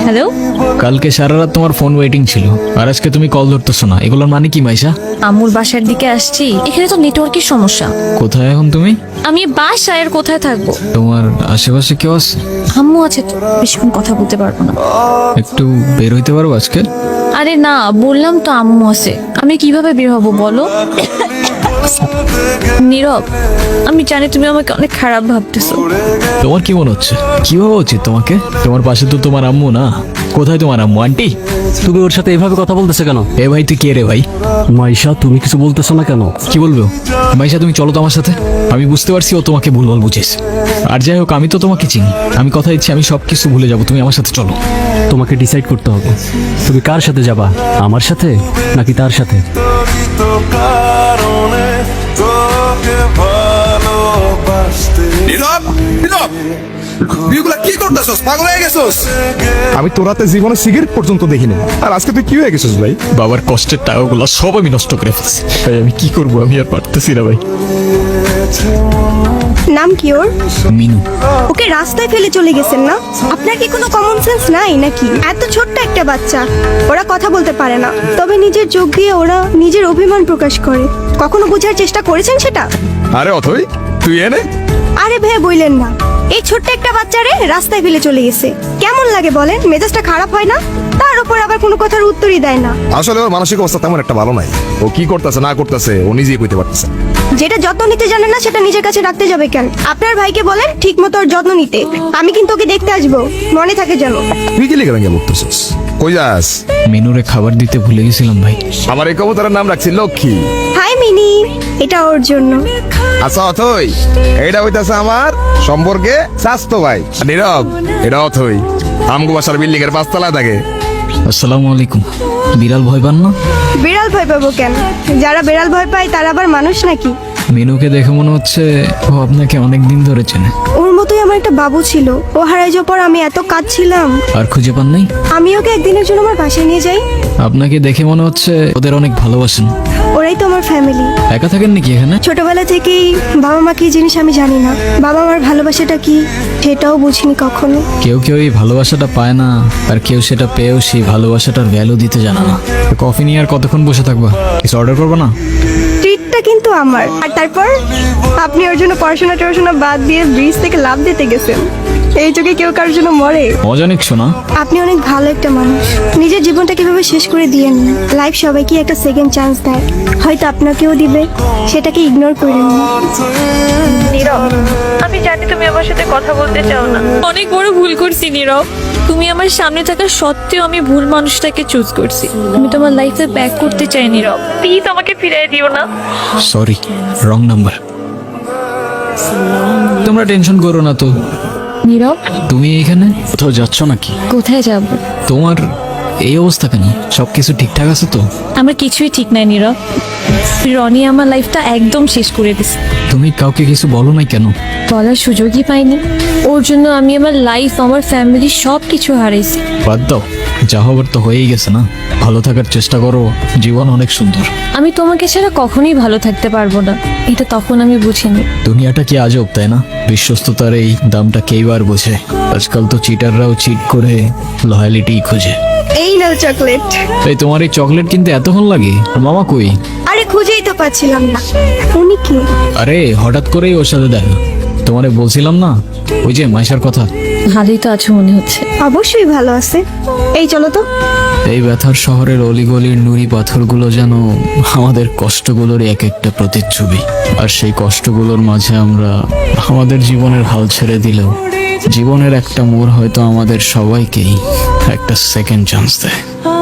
Hello, কালকে সারা রাত তোমার ফোন ওয়েটিং ছিল, আর আজকে তুমি কল ধরতেছো না, এগুলোর মানে কি মাইশা? আম্মুর বাসার দিকে আসছি। এখানে তো নেটওয়ার্কের সমস্যা। কোথায় এখন তুমি? আমি বাসায়, আর কোথায় থাকবো? তোমার আশেপাশে কেউ আছে? আম্মু আছে তো, বেশিক্ষণ কথা বলতে পারবো না। একটু বের হইতে পারবো আজকে? আরে না, বললাম তো আম্মু আছে। আমি কিভাবে বের হবো বলো? নীরব, আমি জানি তুমি আমাকে অনেক খারাপ ভাবতেছো। তোমার কি মনে হচ্ছে? কি ভাবা উচিত তোমাকে? তোমার পাশে তো তোমার আম্মু না। কোথায় তোমার আম্মু? আন্টি, তুমি ওর সাথে এভাবে কথা বলতেছে কেন? এ ভাই তুই কে রে ভাই? মাইশা, তুমি কিছু বলতেছো না কেন? কি বলবো? মাইশা তুমি চলো তো আমার সাথে। আমি বুঝতে পারছি ও তোমাকে ভুলভাল বুঝেছে। আর যাই হোক, আমি তো তোমাকে চিনি। আমি কথা দিচ্ছি আমি সবকিছু ভুলে যাবো, তুমি আমার সাথে চলো। তোমাকে ডিসাইড করতে হবে, তুমি কার সাথে যাবা, আমার সাথে নাকি তার সাথে? নীরব, নীরব, তুইগুলা কি করতেছস? পাগল হয়ে গেছস? আমি তোর হাতে জীবনে সিগারেট পর্যন্ত দেখিনি, আর আজকে তুই কি হয়ে গেছিস ভাই? বাবার কষ্টের টাকাগুলো সব আমি নষ্ট করে ফেলছি ভাই। আমি কি করবো? আমি আর পারতেছি না ভাই। নাম কি ওর? মিনু। ওকে রাস্তায় ফেলে চলে গেছেন না? আপনার কি কোনো কমন সেন্স নাই নাকি? এত ছোট্ট একটা বাচ্চা, ওরা কথা বলতে পারে না, তবে নিজের চোখ দিয়ে ওরা নিজের অভিমান প্রকাশ করে। কখনো বোঝার চেষ্টা করেছেন সেটা? আরে অথই, তুই এনে আরে ভাই বললেন না, এই ছোট্ট একটা বাচ্চারে রাস্তায় ফেলে চলে গেছে। কেমন লাগে বলেন? মেজাজটা খারাপ হয় না? তার উপর আবার কোনো কথার উত্তরই দেয় না। আসলে ওর মানসিক অবস্থা তেমন একটা ভালো নাই। ও কি করতেছে না করতেছে ও নিজেই কইতে পারতেছে না। যেটা যত্ন নিতে জানে না সেটা নিজের কাছে রাখতে যাবে কেন? আপনার ভাইকে বলেন ঠিক মতো ওর যত্ন নিতে। আমি কিন্তু ওকে দেখতে আসবো, মনে থাকে যেন। তুই কি লিখে ভেঙে বলতেছিস? কই যাস? মিনুরে খাবার দিতে ভুলে গেছিলাম ভাই। আমার এই কবুতরের নাম রাখছি লক্ষ্মী। হাই মিনি, এটা ওর জন্য। আচ্ছা অথই, এইটা হইতাছে আমার সম্পর্কে স্বাস্থ্য ভাই। আর নীরব, এটা অথই আমগো বাসার বিল্ডিং এর 5 তলায় থাকে। আসসালামু আলাইকুম। বিড়াল ভয় পান না? বিড়াল ভয় পাবো কেন? যারা বিড়াল ভয় পায় তারা আবার মানুষ নাকি? মিনুকে দেখে মনে হচ্ছে ও আপনাকে অনেক দিন ধরে চেনে। ওর মতোই আমার একটা বাবু ছিল, ও হারাই যাওয়ার পর আমি এত কাঁদছিলাম। আর খুঁজে পান নাই? আমি ওকে একদিনের জন্য আমার বাসায় নিয়ে যাই। আপনাকে দেখে মনে হচ্ছে ওদের অনেক ভালোবাসেন। ওরাই তো আমার ফ্যামিলি। একা থাকেন নাকি এখানে? ছোটবেলা থেকেই বাবা মা কি জিনিস আমি জানি না। বাবা মার ভালোবাসাটা কি সেটাও বুঝিনি কখনো। কেউ কেউ এই ভালোবাসাটা পায় না, আর কেউ সেটা পেয়েও সেই ভালোবাসাটার ভ্যালু দিতে জানে না। কফি নিয়ে আর কতক্ষণ বসে থাকবা? কিছু অর্ডার করবো না? ট্রিটটা কিন্তু আমার। আর তারপর আপনি ওর জন্য পড়াশোনা বাদ দিয়ে ব্রিজ থেকে লাফ দিতে গেছেন। এই যুগে কেউ কারোর জন্য মরে? মজা নিচ্ছো না? আপনি অনেক ভালো একটা মানুষ। নিজের জীবনটা কিভাবে শেষ করে দিয়েন না। লাইফ সবাইকে একটা সেকেন্ড চান্স দেয়, হয়তো আপনাকেও দিবে, সেটাকে ইগনোর করেন না। আমি জানি তুমি আমার সাথে কথা বলতে চাও না। অনেক বড় ভুল করছি নীরব। তুমি আমার সামনে থাকা সত্ত্বেও আমি ভুল মানুষটাকে চুজ করছি। আমি তোমার লাইফে ব্যাক করতে চাই নীরব। প্লিজ আমাকে ফিরিয়ে দিও না। Sorry, wrong number. তোমরা টেনশন করো না তো। নীরব, তুমি এখানে কোথাও যাচ্ছ নাকি? কোথায় যাব? তোমার এই অবস্থা কেন? সবকিছু ঠিকঠাক আছে তো? আমার কিছুই ঠিক নাই নীরব। রনি আমার লাইফটা একদম শেষ করে দিছে। তুমি কাউকে কিছু বলো নাই কেন? বলার সুযোগই পাইনি। ওর জন্য আমি আমার লাইফ, আমার ফ্যামিলি সব কিছু হারাইছি। বাদ দাও, যা হবার তো হয়েই গেছে না। ভালো থাকার চেষ্টা করো, জীবন অনেক সুন্দর। আমি তোমাকে ছাড়া কখনোই ভালো থাকতে পারবো না, এটা তখন আমি বুঝিনি। দুনিয়াটা কি আজব, তাই না? বিশ্বস্ততার এই দামটা কেই বার বোঝে। আজকাল তো চিটাররাও চিট করে লয়ালিটি খোঁজে। এই নাও চকলেট। এই তোমার এই চকলেট কিনতে এতক্ষণ লাগে? মামা কই? আরে খুঁজেই তো পাচ্ছিলাম না। উনি কি? আরে হঠাৎ করেই ওর সাথে দেখা। তোমারে বলছিলাম না ওই যে মাইশার কথা। ভালোই তো আছো মনে হচ্ছে। অবশ্যই ভালো আছে। এই চলো তো। এই ব্যথার শহরের অলিগলির নুড়ি পাথরগুলো যেন আমাদের কষ্টগুলোর এক একটা প্রতিচ্ছবি। আর সেই কষ্টগুলোর মাঝে আমরা আমাদের জীবনের হাল ছেড়ে দিলেও জীবনের একটা মোড় হয়তো আমাদের সবাইকেই একটা সেকেন্ড চান্স দেয়।